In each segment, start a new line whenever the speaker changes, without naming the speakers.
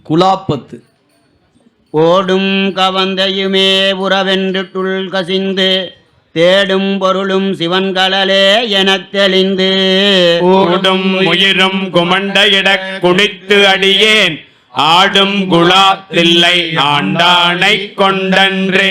குலாப்பத்து.
ஓடும் கவந்தையுமே உறவென்று துள் கசிந்து தேடும் பொருளும் சிவன்களே எனத் தெளிந்து
கூடும் உயிரும் குமண்டையிடக் குனித்து அடியேன் ஆடும் குலாத்தில்லை ஆண்டானை கொண்டன்றே.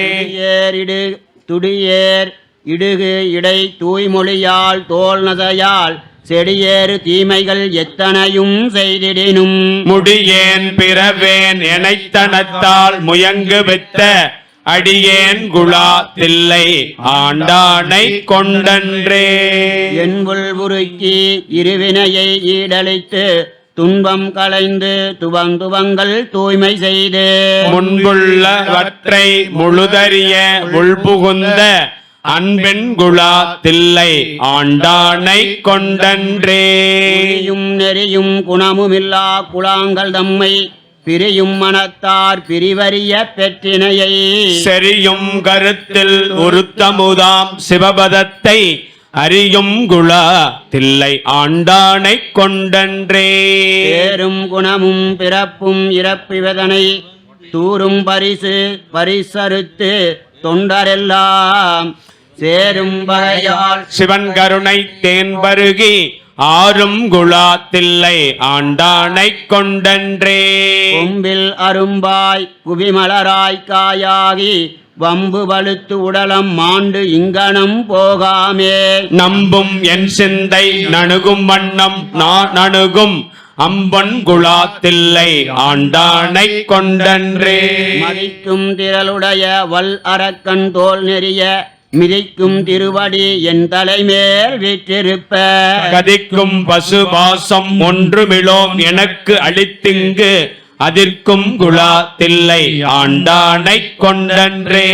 துடியேர் இடுகு இடை தூய்மொழியால் தோல் நசையால் செடியேறு தீமைகள் எத்தனையும் செய்திடினும்
முடியேன் பிறவேன் எனைத்தனத்தால் முயங்கு வித்த அடியேன் குலாத்தில்லை ஆண்டானை கொண்டன்றே.
என்புள் உருக்கி இருவினையை ஈடழித்து துன்பம் களைந்து துவங்குவங்கள் தூய்மை செய்து
முன்புள்ளவற்றை முழுதறிய உள்புகுந்த அன்பின் குலாத்தில்லை ஆண்டானை கொண்டன்றே.
நெறியும் குணமுமில்லா குலாங்கள் தம்மை பிரியும் மனத்தார் பிரிவறிய பெற்றினையை
செரியும் கருத்தில் உருத்தமுதாம் சிவபதத்தை அறியும் குலாத்தில்லை ஆண்டானை கொண்டன்றே.
பேரும் குணமும் பிறப்பும் இறப்பிவதனை தூரும் பரிசறுத்து தொண்டரெல்லாம் சேரும் வகையால்
சிவன் கருணை தேன் பருகி ஆறும் குலாத்தில்லை ஆண்டானை கொண்டன்றே.
கொம்பில் அரும்பாய் குவிமலராய் காயாகி வம்பு வலுத்து உடலம் மாண்டு இங்கனம் போகாமே
நம்பும் என் சிந்தை நணுகும் வண்ணம் நான் அணுகும் அம்பன் குலாத்தில்லை ஆண்டானை கொண்டன்றே.
மதிக்கும் திரளுடைய வல் அரக்கன் தோல் நெறிய மிதிக்கும் திருவடி என் தலைமேல் வீற்றிருப்ப
கதிக்கும் பசுபாசம் ஒன்றுமிலோம் எனக்கு அளித்திங்கு அதிர்க்கும் குலாத்தில்லை ஆண்டானை கொண்டன்றே.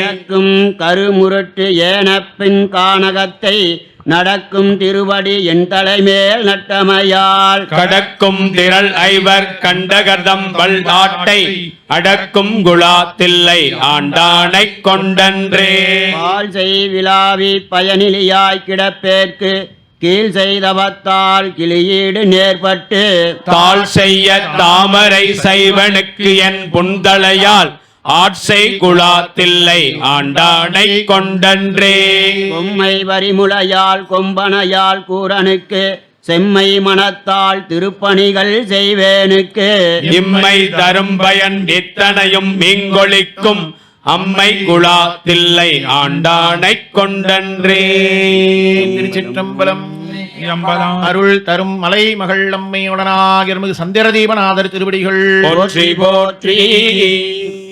கருமுரட்டு ஏனப்பின் கானகத்தை நடக்கும் திருவடி என் தலைமேல் நட்டமையால்
கடக்கும் திரள் ஐவர் கண்டகர்தம் வல்லாட்டை அடக்கும் குலாத்தில்லை ஆண்டானை கொண்டன்றே.
பால் செய் விழாவி பயனிலியாய் கிடப்பேற்கு கீழ் செய்தவத்தால் கிளியீடு நேர்பட்டு
தாள் செய்ய தாமரை சைவனுக்கு என் புந்தளையால் ஆட்சை குலாத்தில்லை ஆண்டானை கொண்டன்றே.
கொம்மை வரிமுளையால் கொம்பனையால் கூரனுக்கு செம்மை மனத்தால் திருப்பணிகள் செய்வேனுக்கு
இம்மை தரும் பயன் இத்தனையும் மீங்கொழிக்கும் அம்மை குலாத்தில்லை ஆண்டானை கொண்டன்றே.
திருச்சிற்றம்பலம். அருள் தரும் மலை மகள் அம்மையுடனாக சந்திரதீபநாதர் திருவடிகள்
போற்றி போற்றி.